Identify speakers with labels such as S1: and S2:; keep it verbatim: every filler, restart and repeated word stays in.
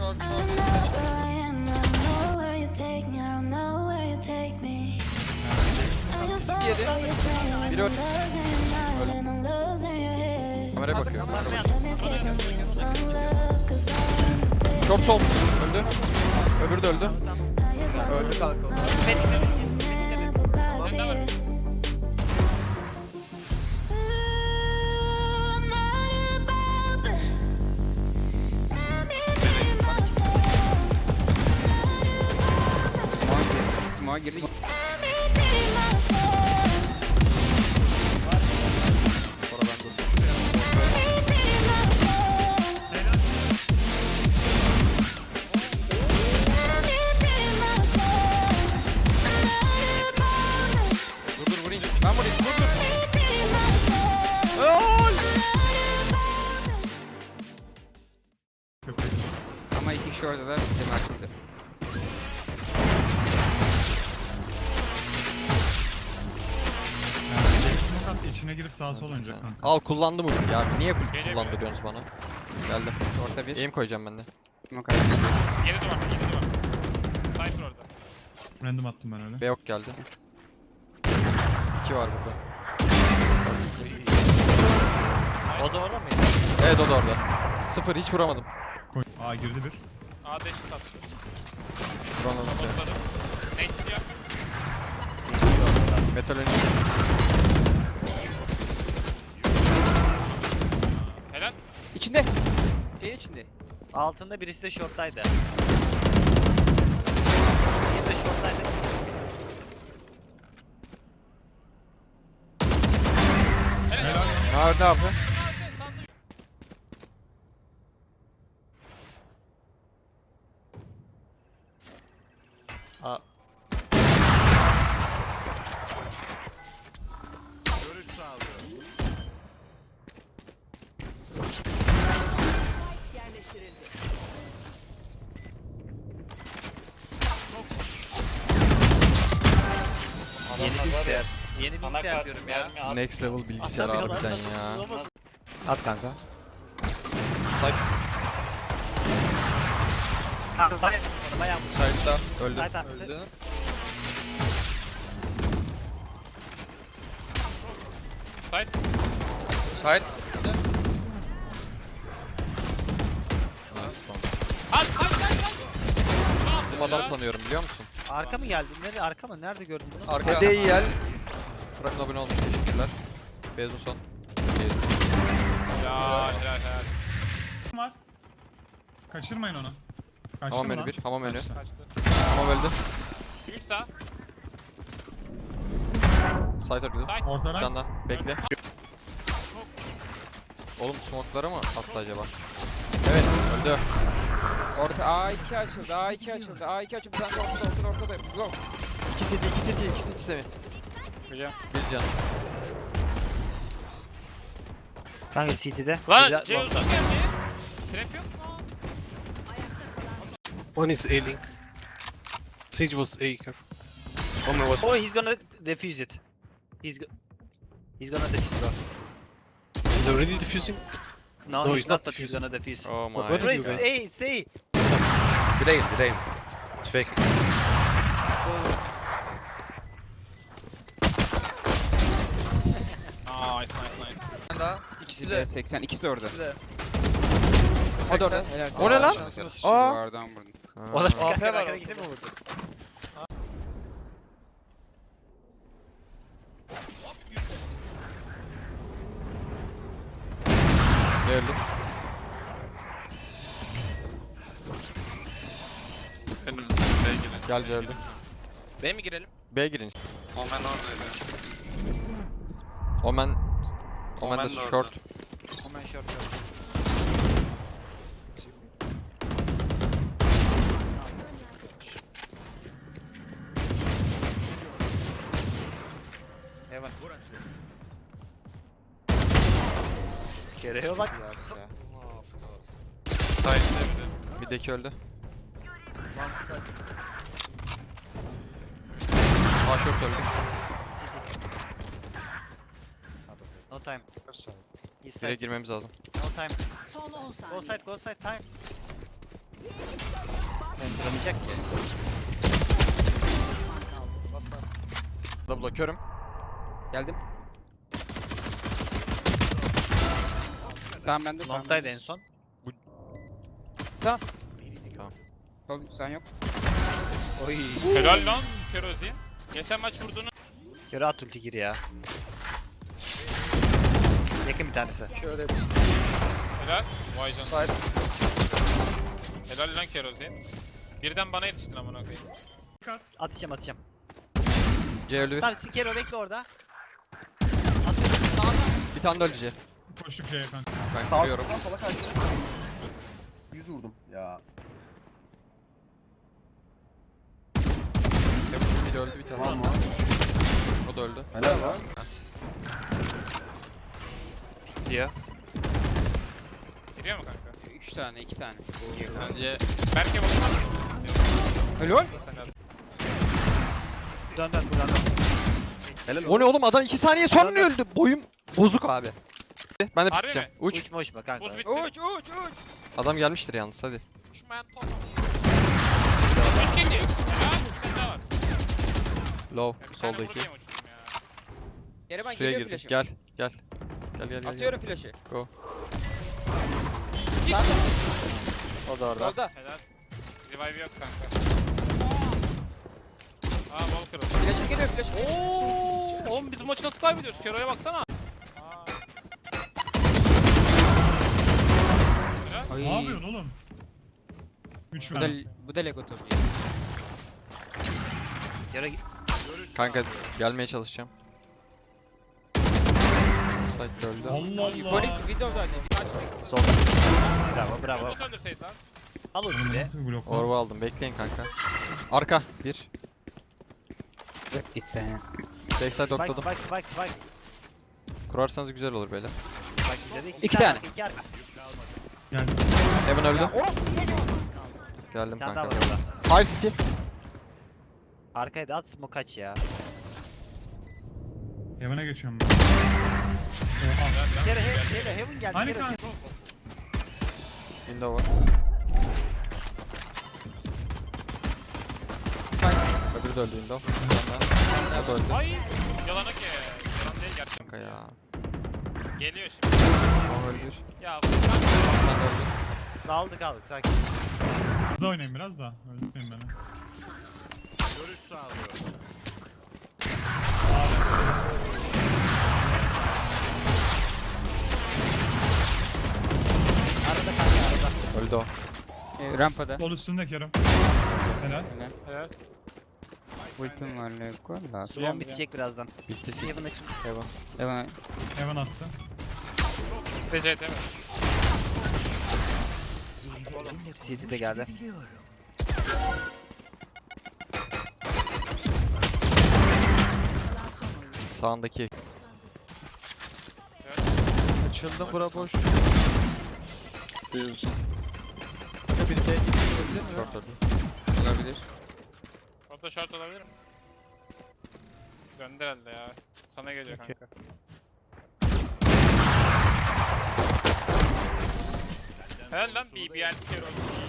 S1: short, short.
S2: Yedi. Biri öldü. Kameraya bakıyor. Çok sol. Öldü. Öbürü de öldü.
S3: Öldü kanka.
S2: Smoke'a girdi. Dur dur vurayım. Ben vurayım. Dur dur. Ama iki kişi orada da Cem açıldı.
S4: İçine girip sağa sola oynayacak kanka.
S2: Al kullandım ulti ya. Niye kullandırıyorsunuz bana? Geldim.
S5: Orta bir.
S2: Aim koyacağım ben de.
S5: Smoke ayırdı.
S6: Yedi duvar, yedi duvar. Cypher orada.
S4: Random attım ben öyle.
S2: B yok geldi. İki var burada.
S3: O da orada mıydı?
S2: Evet o da orada. Sıfır hiç vuramadım.
S4: Koy. Aa girdi bir.
S6: A dash attı.
S2: Drone alınca.
S6: Botladım. Nate gidiyor.
S2: Metal önü.
S6: Helal.
S5: İçinde. Şeyin içinde.
S3: Altında birisi de short'taydı. Diğeri de short'taydı.
S6: Helal.
S2: Nerede abi?
S3: Aa. Yeni bilgisayar. Yeni bilgisayar diyorum ya.
S2: Next level bilgisayar harbiden ya.
S5: At kanka.
S2: Side,
S3: Kanka bayağı bayağı
S2: side'da öldü.
S3: Side arkası.
S2: Öldü.
S6: Side.
S2: Side.
S6: At, at, at, at.
S2: Bizim adam sanıyorum biliyor musun?
S3: Arka mı geldi? Nerede arka mı? Nerede gördün bunu?
S2: Arka değil. Prime abone olmuş teşekkürler. Bezos son.
S6: Helal, helal, helal.
S4: Var. Kaçırmayın onu. Kaçtı
S2: Hamam
S4: mı
S2: önü
S4: lan?
S2: bir. Hamam önü.
S4: Kaçtı.
S6: Kaçtı.
S2: Hamam öldü.
S6: Büyük sağ.
S2: Side öldü.
S6: Side.
S4: Ortadan.
S2: Canda. Bekle. Oğlum smoke'lara mı attı acaba? Evet öldü.
S5: Orta A iki açıldı. A iki açıldı. A iki açıldı. Sen de ortada ortada ortada. Go.
S2: İki city, iki city, iki city Semih.
S6: Biliyorum.
S2: Bir can.
S3: Kanka City'de.
S6: Lan C uzun geldi. Trap yok mu?
S7: One is A-Link. Sage was A, careful. Oh my god.
S3: Oh, he's gonna defuse it. He's go He's gonna defuse it.
S7: He's already defusing?
S3: No,
S7: No,
S3: he's,
S7: he's
S3: not,
S7: not
S3: but he's
S7: defusing.
S3: gonna defuse.
S2: Oh my.
S7: What
S3: Bro,
S7: did you
S3: it's
S7: guys?
S3: A, it's A.
S7: Delay, delay. It's fake.
S6: Nice, nice, nice.
S5: Bir daha. İkisi de seksen. İkisi de orada. O
S2: O
S5: da orada. Helal.
S2: O ne lan? Aa.
S5: Duvardan vurdum.
S3: O da sıkar
S2: A P var
S3: arkada
S2: orada.
S3: gitti mi vurdu?
S2: Geldi. Gelce öldü.
S6: B mi girelim?
S2: B'ye girin.
S1: Omen oradaydı.
S2: Omen. Omen
S1: Omen
S2: de
S1: de orada.
S2: short.
S3: Hemen short short. Hemen. Kere'ye bak.
S1: Side'de bir de.
S2: Middeki öldü. A short öldü.
S3: No time. East
S2: Bire
S3: side.
S2: girmemiz lazım.
S3: No time.
S8: Son on saniye.
S3: Go side, go side, time. Ben duramayacak ki.
S2: Double'a körüm.
S5: Geldim. Tamam ben de sağım.
S3: Long'taydı en son.
S2: Tamam.
S5: Sol sen yok.
S3: Oy.
S6: Helal lan Kerozi. Geçen maç vurduğunu.
S3: Kero at ulti gir ya. Yakın bir tanesi.
S2: Şöyle bir
S6: Helal. Vay canına.
S2: side.
S6: Helal lan Kerozi. Birden bana yetiştin amına koyayım.
S4: Dikkat.
S3: Atacağım atacağım.
S2: C öldü bir.
S3: Tamam Kero bekle orada.
S2: Bir tane de öldü C.
S4: Koştuk şeye kanka.
S2: Ben
S8: Sağ
S2: kırıyorum.
S8: sola sola kaçtı. yüz vurdum ya.
S2: Bir öldü bir tane.
S8: Var mı?
S2: O da öldü.
S8: Helal lan.
S3: Diyor.
S6: Giriyor mu kanka?
S5: üç tane iki tane.
S6: Bence Berke bakmaz.
S5: Helal.
S3: Dön dön buradan dön.
S8: Helal
S2: O ne oğlum adam iki saniye sonra öldü. Boyum bozuk abi. Ben de
S6: Harbi
S2: biteceğim.
S6: mi?
S2: Uç.
S3: Uçma uçma kanka.
S6: Buz bitti.
S5: Uç uç uç.
S2: Adam gelmiştir yalnız hadi.
S6: Uçmayan top. Üç kişi. Helal. Sen de var.
S2: Low.
S6: Ya bir tane
S2: Soldaki.
S6: vurayım uçtum ya.
S5: Geri ben
S2: Suya
S5: geliyor
S2: girdik.
S5: flash'ım.
S2: Gel. Gel. Gel gel gel.
S5: Atıyorum flash'ı.
S2: O da orada.
S5: Solda.
S6: Helal. Revive yok kanka. Aa bol kırıldı.
S5: Flash'ım geliyor flash'ım.
S6: Ooo. Oğlum biz bu maçı nasıl kaybediyoruz? Kero'ya baksana. Aa. Helal.
S5: Ay.
S4: Ne yapıyorsun oğlum? üç
S5: Bu da,
S4: ver.
S5: bu da Lego topu.
S3: Kero
S2: Kanka gelmeye çalışacağım. Side öldü.
S4: Allah Allah.
S5: Polis Windows'daydı.
S6: Kaç.
S3: sol. Bravo bravo.
S6: Nasıl öldürseydi lan?
S3: Al
S4: Oğlum
S3: ulti de.
S4: nasıl bir blok lan?
S2: Orba aldım. Bekleyin kanka. Arka. Bir.
S5: Gitti.
S2: Backside
S3: Spike
S2: ortladım.
S3: spike spike spike.
S2: Kurarsanız güzel olur böyle.
S3: Spike bizde değil.
S5: İki tane.
S3: arka, İki arka.
S4: Geldi.
S2: Heaven öldü.
S3: Bir
S2: Geldim
S3: tane daha
S2: kanka.
S3: var orada.
S2: Fire City.
S3: Arkaya da at smoke kaç ya.
S4: Heaven'a geçiyorum ben. Oha.
S3: Kero heaven, Kero heaven geldi.
S4: Hani
S3: Kero.
S4: kanka?
S2: Window var. Öbürü de öldü window. Bir tane daha. O da öldü.
S6: Ay. Yalana ki. Yalan değil gerçekten.
S2: Kanka ya.
S6: Geliyor şimdi.
S2: O öldü.
S6: Ya bu
S2: Bir tane de öldü.
S3: Aldık aldık sakin.
S4: Hızlı oynayın biraz da. Öldürmeyin beni.
S3: Arada kanka arada.
S2: Öldü o.
S5: E, rampada.
S4: Sol üstünde Kerem. Helal.
S6: Helal.
S5: Ultim var Lego. La.
S3: Suyon bitecek birazdan.
S2: Bitti City.
S3: Heaven açın.
S2: Heaven.
S5: Devam.
S4: Heaven attı.
S6: D C T mi?
S3: C D de geldi.
S2: Sağındaki. Açıldım bura boş.
S7: Diyorsun.
S2: Bir de short öldü.
S5: Olabilir.
S6: O da short olabilir mi? Döndü herhalde ya. Sana geliyor kanka. Helal lan B B L Kero.